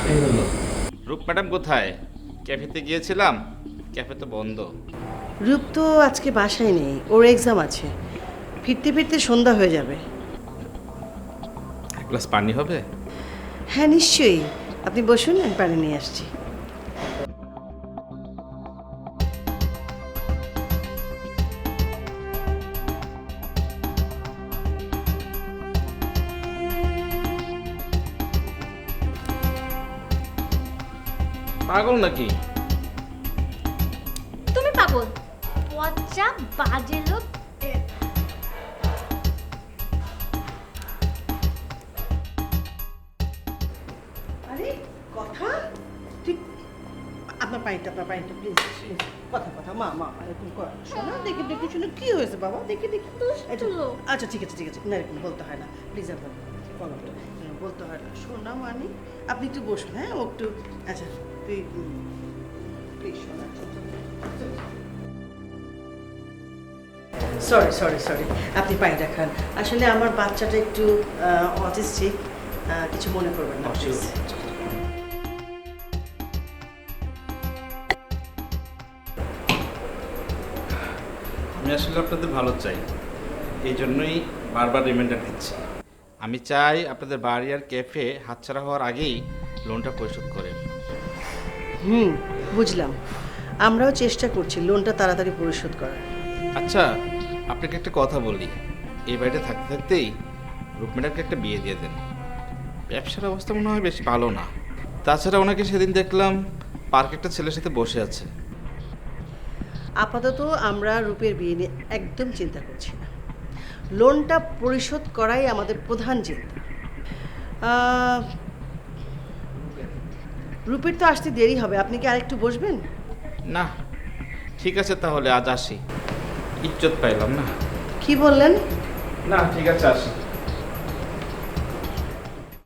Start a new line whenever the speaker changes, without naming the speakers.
রাতে হলো।
রূপ ম্যাডাম কোথায়? ক্যাফেতে গিয়েছিলাম, ক্যাফে তো বন্ধ।
রূপ তো আজকে বাসায় নেই, ওর এক্সাম আছে। ফিরতে ফিরতে সন্ধ্যা হয়ে যাবে।
এক গ্লাস পানি হবে?
হ্যাঁ নিশ্চয়ই, আপনি বসুন, আমি পানি নিয়ে আসছি।
পাগল নাকি?
তুমি পাগল, পচা বাজে লোক।
আরে কথা ঠিক, আপনার পানিটা প্লিজ প্লিজ। কথা কথা মা মা এরকম কর শোনা, দেখি দেখি শুনে কি হয়েছে বাবা, দেখি দেখি।
দুষ্টু লোক।
আচ্ছা ঠিক আছে ঠিক আছে, না এরকম বলতে হয় না, প্লিজ আপনার বলতে হয় না। শোনা মানি, আপনি একটু বসুন, হ্যাঁ ও একটু। আচ্ছা তুই প্লিজ শোনা। সরি সরি সরি, আপনি পানিটা খান। আসলে আমার বাচ্চাটা একটু অটিস্টিক, কিছু মনে করবেন না প্লিজ।
আমি আসলে আপনাদের ভালো চাই, এই জন্যই বারবার রিমাইন্ডার দিচ্ছি। আমি চাই আপনাদের বাড়ি আর ক্যাফে হাতছাড়া হওয়ার আগেই লোনটা পরিশোধ করেন।
বুঝলাম, আমরাও চেষ্টা করছি লোনটা তাড়াতাড়ি পরিশোধ করার।
আচ্ছা, আপনাকে একটা কথা বলি, এই বাড়িতে থাকতে থাকতেই রূপ ম্যাডামকে একটা বিয়ে দিয়ে দেন। ব্যবসার অবস্থা মনে হয় বেশি ভালো না। তাছাড়া ওনাকে সেদিন দেখলাম পার্কে একটা ছেলের সাথে বসে আছে।
আপাতত আমরা রূপের বিয়ে নিয়ে একদম চিন্তা করছি না, লোনটা পরিশোধ করাই আমাদের প্রধান চিন্তা। রূপের তো আসতে দেরি হবে, আপনি কি আরেকটু বসবেন?
না ঠিক আছে, তাহলে আজ আসি, ইজ্জত পাইলাম না।
কি বললেন?
না ঠিক আছে, আসি।